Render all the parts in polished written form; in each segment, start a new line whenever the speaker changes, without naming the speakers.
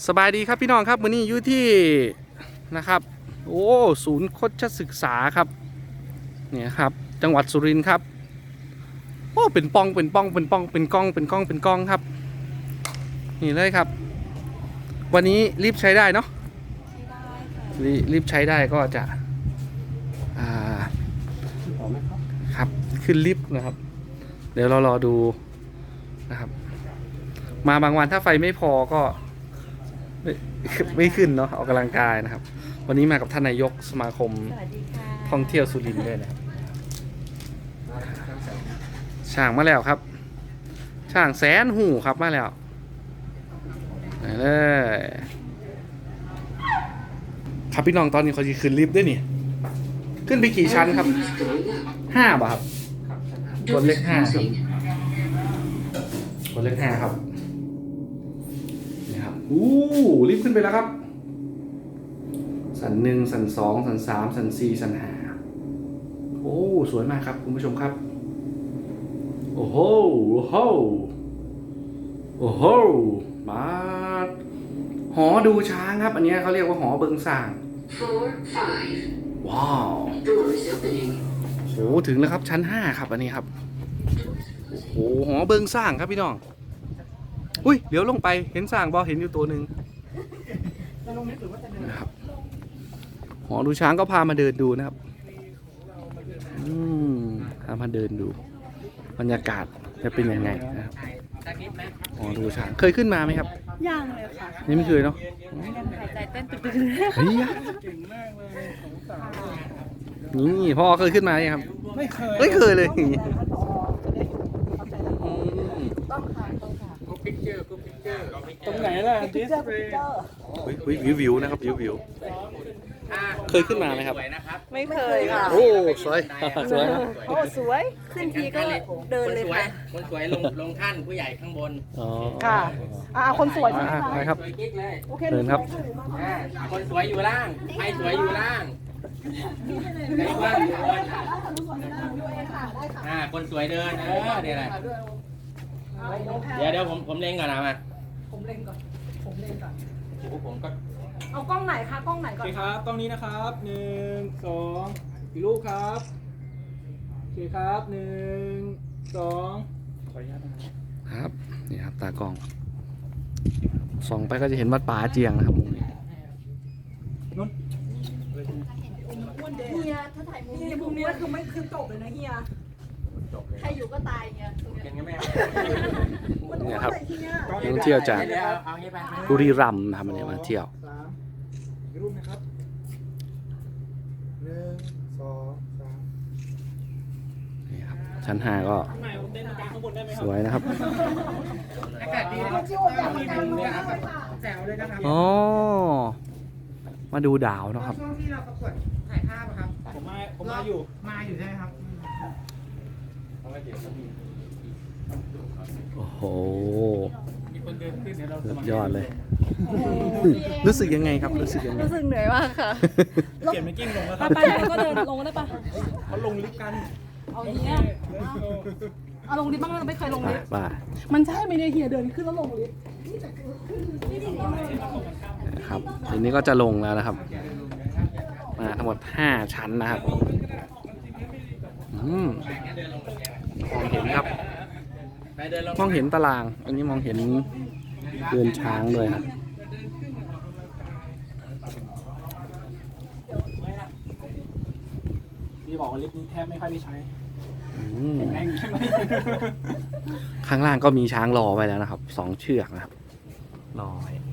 สบายดีครับพี่น้องครับวันนี้อยู่ที่นะครับโอ้ศูนย์โคชศึกษาครับเนี่ยครับจังหวัดสุรินทร์ครับโอ้เป็นป้องเป็นป้องเป็นป้องเป็นกล้องเป็นกล้องเป็นกล้องครับนี่เลยครับวันนี้รีบใช้ได้เนาะรีบใช้ได้ก็จะครับขึ้นลิฟต์นะครับเดี๋ยวเรารอดูนะครับมาบางวันถ้าไฟไม่พอก็ไม่ขึ้นเนาะออกกำลังกายนะครับวันนี้มากับท่านนายกสมาคมท่องเที่ยวสุรินทร์ด้วยนะครับช่างมาแล้วครับช่างแสนหูครับมาแล้วนี่เลยครับพี่น้องตอนนี้เขาจะขึ้นลิฟต์ด้วยนี่ขึ้นไปกี่ชั้นครับ5 ป่ะครับกดเลข5ครับกดเลข5ครับนี่ครับลิฟต์ขึ้นไปแล้วครับสัน1สัน2สัน3สัน4สัน5โอ้สวยมากครับคุณผู้ชมครับโอ้โหโอ้โหโอ้โหมาหอดูช้างครับอันนี้เขาเรียกว่าหอเบิงส่างว้าวโอ้ถึงแล้วครับชั้น5ครับอันนี้ครับโอ้โหหอเบิงส่างครับพี่น้องอุ้ยเดี๋ยวลงไปเห็นส่างบอเห็นอยู่ตัวหนึ่งนะครับหอดูช้างก็พามาเดินดูนะครับพามาเดินดูบรรยากาศจะเป็นยังไงนะครับหอดูช้างเคยขึ้นมาไหมครับ
ยังเลยค่ะ
นี่ไม่เคยเนาะ
หายใจเต้นตึก
เฮ้ยนี่พ่อเคยขึ้นมาไหมครับไม่เคยเลย
ตรงไหนล่ะดิสเพลย์
วิวนะครับวิวเคยขึ้นมาไหมครับ
ไม่เคยค่ะ
โอ้สวยสวย
โอ้สวยขึ้นทีก็เดินเลยค่ะ
คนสวยลงท่านผู้ใหญ่ข้างบน
ค่ะคนสวยใช่
ไหมครับ
โอเค
เดินครับ
คนสวยอยู่ล่างใครสวยอยู่ล่างใครว่างอยู่บนคนสวยเดินเนี่ยแหละเดี๋ยวผมเล็งก่อนนะมา
ผมเล็งก่อน
โอ้ผมก็
เอากล้องไหนคะกล้องไหนก่อน
โอเคครับกล้องนี้นะครับ1 2กี่รูปครับโอเคครับ1 2ขออนุญาต
นะครับนี่ครับตากล้องส่องไปก็จะเห็นวัดป่าเจียงนะครับมุมนี้
เฮียถ้าถ่ายมุมนี้คือไม่คือจบเลยนะเฮียใครอยู่ก็ตายเงี้ย
เป็นไงแม่
เนี่ยครับท่องเที่ยวจากบุรีรัมย์นะครับมาเที่ยว
รูปนะครับ1 2 3
นี่ครับชั้น5ก็สวยนะครับ
อากาศดีแจ๋วเลยนะครับ
อ๋อมาดูดาวนะครับ
ช่วงที่เราประกวดถ่ายภาพครับ
ผมมาอยู่
ใช่ไหมครับ
โอ้โหสุดยอดเลยรู้สึกยังไงครับรู้สึกยังไง
รู้สึกเหนื่อยมากค่ะ
เปลี่ยนเป็นกิ้งลงแล้วครับ
ไปก็เดินลงได้ปะ
เขาลงลิฟต์กัน
เอาอย่างเงี้ยเอาลงลิฟต์บ้างเราไม่เคยลงลิฟต์
บ้า
มันใช่ไหมเนี่ยเฮียเดินขึ้นแล้วลงลิฟต์
ครับทีนี้ก็จะลงแล้วนะครับมาทั้งหมด5ชั้นนะครับมองเห็นครับมองเห็นตารางอันนี้มองเห็นเรือนช้างด้วยครับ
พี่บอกว่าลิฟต์นี้แทบไม่ค่อยได้ใช้
ข้างล่างก็มีช้างรอไว้แล้วนะครับ2 เชือกนะครับรอไว้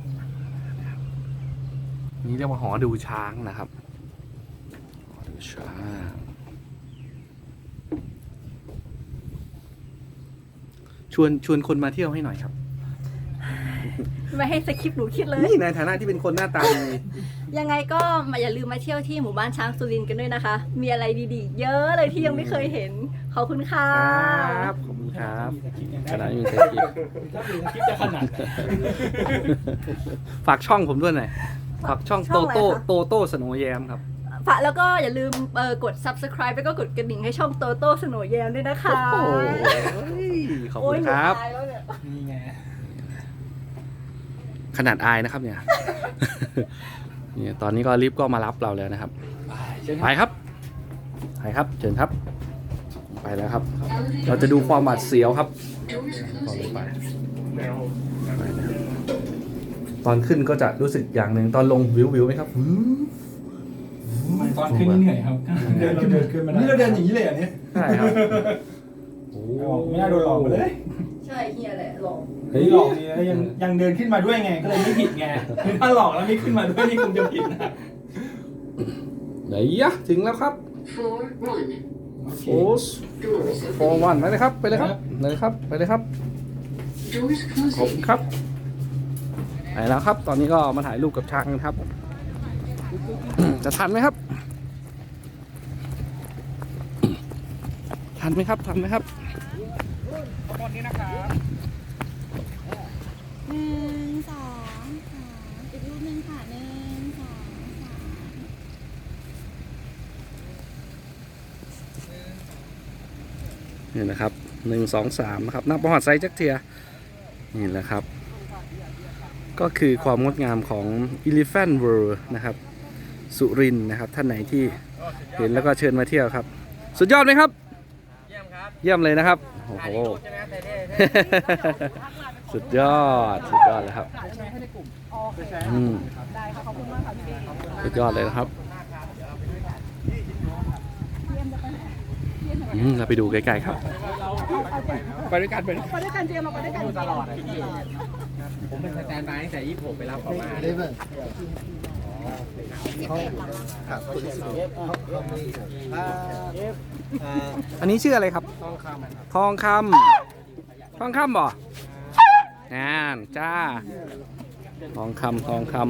นี่เรียกว่าหอดูช้างนะครับหอดูช้างชวนคนมาเที่ยวให้หน่อยครับ
ไม่ให้สคริปต์หนูคิดเลย
นี่ในฐานะที่เป็นคนหน้าตาดี
ยังไงก็อย่าลืมมาเที่ยวที่หมู่บ้านช้างสุรินทร์กันด้วยนะคะมีอะไรดีๆเยอะเลยที่ยังไม่เคยเห็นขอบคุณค่ะ
ครับขอบคุณครับขนาดมีสคริปต์
จะขนาด
ฝากช่องผมด้วยหน่อยฝากช่องโตโต้สโนว์แยมครับ
ฝากแล้วก็อย่าลืมกด subscribe แล้วก็กดกระดิ่งให้ช่องโตโต้สโนว์แยมด้วยนะคะ
ขอบคุณครับ
นี่ไง
ขนาดอายนะครับเนี่ย เนี่ยตอนนี้ก็ลิฟต์ก็มารับเราแล้วนะครับ ไปครับไปครับเชิญครับ ไปแล้วครับ เราจะดูความหวาดเสียวครับตอนลงไปตอนขึ้นก็จะรู้สึกอย่างหนึ่งตอนลงวิวไหมครับ
ตอนขึ้นนี่เหนื่อยครับเดินขึ้นมาได้นี่เราเดินอย่างนี้เลยอันนี้
ใช่ครับโอ้
ไม่น่าโดนหลอกไปเลย
ใช่เฮียแหละหลอก
เฮ้ยหลอกนี่แล้วยังเดินขึ้นมาด้วยไงก็เลยไม่ผิดไงคือถ้าหลอกแล้วไม่ขึ้นมาด้วยนี่คงจะผิดนะ
ไหนยะถึงแล้วครับ
โอเค
โอ้โฟวันไปเลยครับไปเลยครับเลยครับไปเลยครับขอบคุณครับไปแล้วครับ ตอนนี้ก็มาถ่ายรูปกับช้างกันครับ จะทันไหมครับ ทันไหมครับทันไหมครับ
ตอนนี้นะครับ
1 2 3อีกรูปหนึ่งค่ะ1 2 3
นี่นะครับ1 2 3นะครับนับประวัติไซส์จักเทียนี่แหละครับ ก็คือความงดงามของ Elephant World นะครับ สุรินทร์นะครับ ท่านไหนที่เห็นแล้วก็เชิญมาเที่ยวครับ สุดยอดไหมครับ
เยี่ยมครับ
เยี่ยมเลยนะครับโอ้โห
ใช่ไหมแต่
สุดยอดเลยครับสุดยอดเลยนะครับเราไปดูใกล้ๆครับ
ไปด้วยกัน
อยู่ตลอดผมเป็นสแตนบายตั้งแต่26ไปรับเขามา
อันนี้ชื่ออะไรครับ ทองคำบ่นั่นจ้าทองคำ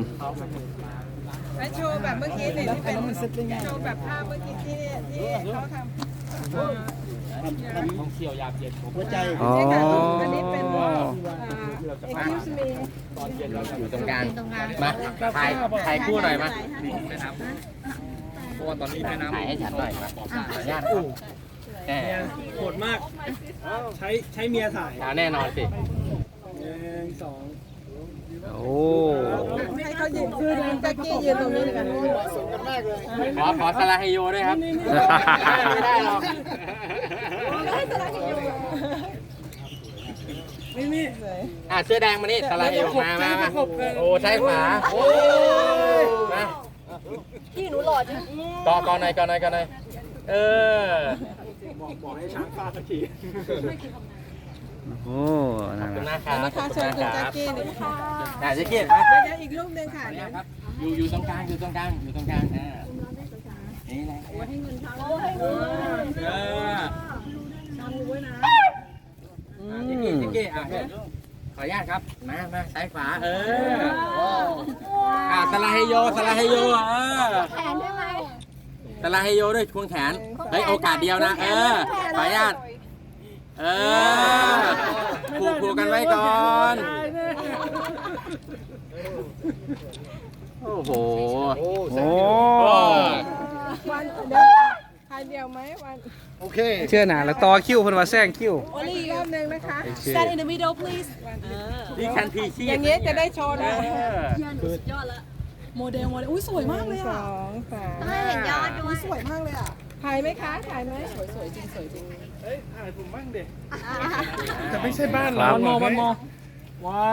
โชว์แบบเมื่อกี้เนี่ยที่เป็นโชว์แบบภาพเมื่อกี้ที่เขาทำ
ท่องเที่ยวยามเย็นผม
อ๋อ
อันนี้เป็นexcuse me
อยู่ตรงกลางมาถ่ายคู่หน่อยมาเพราะว่าตอนนี้แม่น้ำถ่ายให้ฉันหน่อยมาขออนุญาตแน่
โหดมากใช้เมียถ่าย
แน่นอนสิ
1 2
โอ้
ให้เขายืนคือแจ็คกี้ยืนตรงนี้กัน
ขอสลาเฮโยด้วยครับ ไม่ได้หรอก
นี่
เสื้อแดงมานี่สลาเฮโยมาโอ้ใช้ฝาโอ้มา
พี่หนูหล่อจัง
ก่อนหน่อยเออ
บอกให้ช้างฟาดสักที
โอ้นั่น
ขอบคุณ
นะ
นะครับ
นะคะเชิญคุณแจ็คกี้หนึ่งค่ะ
แจ็คกี้
เดี๋ยวอีกรูปหนึ่งค่ะ
ครับอยู่ตรงกลางนี่แหละแจ็คกี้ขออนุญาตครับมาซ้ายขวาสลาเฮโยสลาเฮโย
แขนได้ไหม
สลาเฮโยด้วยควงแขนเฮ้ยโอกาสเดียวนะขออนุญาตผูกกันไว้ก่อนโอ้โห
โอ้
วันเดี๋ยวถ่ายเดียวไหมวัน
เชื่อหนาแล้วต่อคิวเพิ่นว่าแซงคิว
โอลี่อีกรอบหนึ่งนะคะ
Stand in the middle please
นี่คันทีชี
อย่างนี้จะได้โชว์นะ
สุดยอดละ
โมเดลอุ้ยสวยมากเลย
ส
อ่ะ
องสาม
ไม่เห็นยอดด้วย
สวยมากเลยอ่ะ
ถ่ายไหมคะถ่ายไหม
สวยจริงสวยจริง
จะไม่ใช่บ้านเรา
ครับ
วันมอ